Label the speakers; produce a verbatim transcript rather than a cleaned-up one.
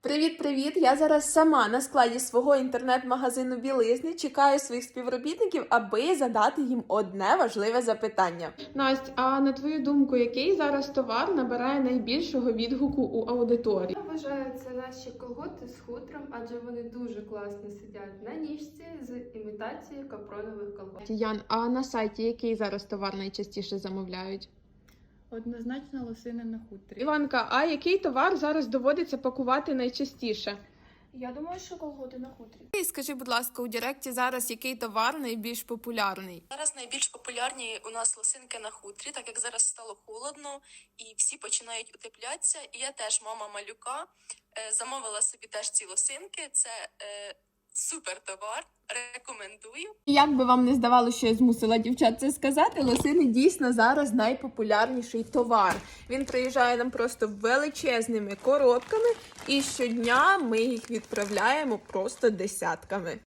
Speaker 1: Привіт-привіт! Я зараз сама на складі свого інтернет-магазину білизни чекаю своїх співробітників, аби задати їм одне важливе запитання. Настя, а на твою думку, який зараз товар набирає найбільшого відгуку у аудиторії?
Speaker 2: Я вважаю, це наші колготи з хутром, адже вони дуже класно сидять на ніжці з імітацією капронових колгот.
Speaker 1: Ян, а на сайті який зараз товар найчастіше замовляють?
Speaker 3: Однозначно лосини на хутрі.
Speaker 1: Іванка, а який товар зараз доводиться пакувати найчастіше?
Speaker 3: Я думаю, що колготи на хутрі.
Speaker 1: Скажи, будь ласка, у Директі зараз який товар найбільш популярний?
Speaker 4: Зараз найбільш популярні у нас лосинки на хутрі, так як зараз стало холодно і всі починають утеплятися. І я теж, мама малюка, е, замовила собі теж ці лосинки. Це е, супер товар, рекомендую.
Speaker 1: Як би вам не здавалося, що я змусила дівчат це сказати, лосини дійсно зараз найпопулярніший товар. Він приїжджає нам просто величезними коробками, і щодня ми їх відправляємо просто десятками.